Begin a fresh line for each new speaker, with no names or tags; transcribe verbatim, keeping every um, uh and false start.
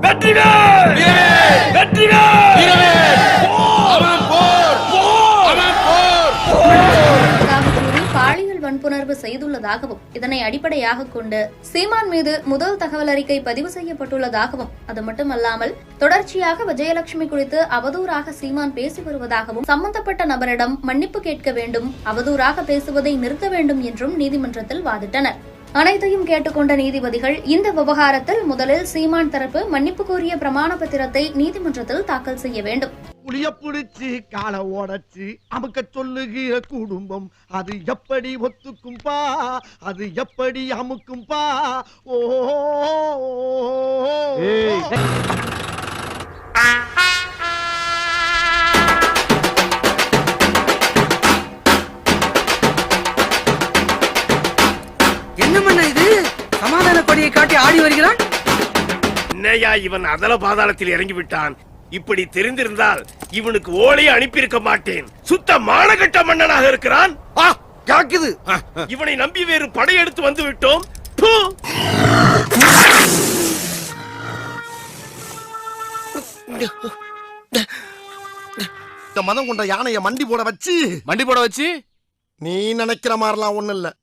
வெற்றிவேல் வெற்றிவேல்
பாலியல் வன்புணர்வு செய்துள்ளதாகவும் இதனை அடிப்படையாக கொண்டு சீமான் மீது முதல் தகவல் அறிக்கை பதிவு செய்யப்பட்டுள்ளதாகவும் அது மட்டுமல்லாமல் தொடர்ச்சியாக விஜயலட்சுமி குறித்து அவதூறாக சீமான் பேசி வருவதாகவும் சம்பந்தப்பட்ட நபரிடம் மன்னிப்பு கேட்க வேண்டும், அவதூறாக பேசுவதை நிறுத்த வேண்டும் என்றும் நீதிமன்றத்தில் வாதிட்டனர். அனைத்தையும் கேட்டுக்கொண்ட நீதிபதிகள் இந்த விவகாரத்தில் முதலில் சீமான் தரப்பு மன்னிப்பு கோரிய பிரமாண பத்திரத்தை நீதிமன்றத்தில் தாக்கல் செய்ய வேண்டும்.
புளிய புடிச்சு கால ஓடச்சு அமுக்க சொல்லுகிற குடும்பம் அது எப்படி ஒத்துக்கும்பா, அது எப்படி அமுக்கும்பா. ஓ
என்ன பண்ண இது? சமாதான கொடியை காட்டி ஆடி வருகிறான்.
என்னையா இவன் அதல பாதாளத்தில் இறங்கி விட்டான். இப்படி தெரிந்திருந்தால் இவனுக்கு ஓலையை அனுப்பியிருக்க மாட்டேன். சுத்த மானகட்ட மன்னனாக இருக்கிறான்.
காக்குது.
இவனை நம்பி வேறு படையெடுத்து வந்து விட்டோம்.
இந்த மதம் கொண்ட யானைய மண்டி போட வச்சு
மண்டி போட வச்சு
நீ நினைக்கிற மாதிரிலாம் ஒண்ணு இல்ல.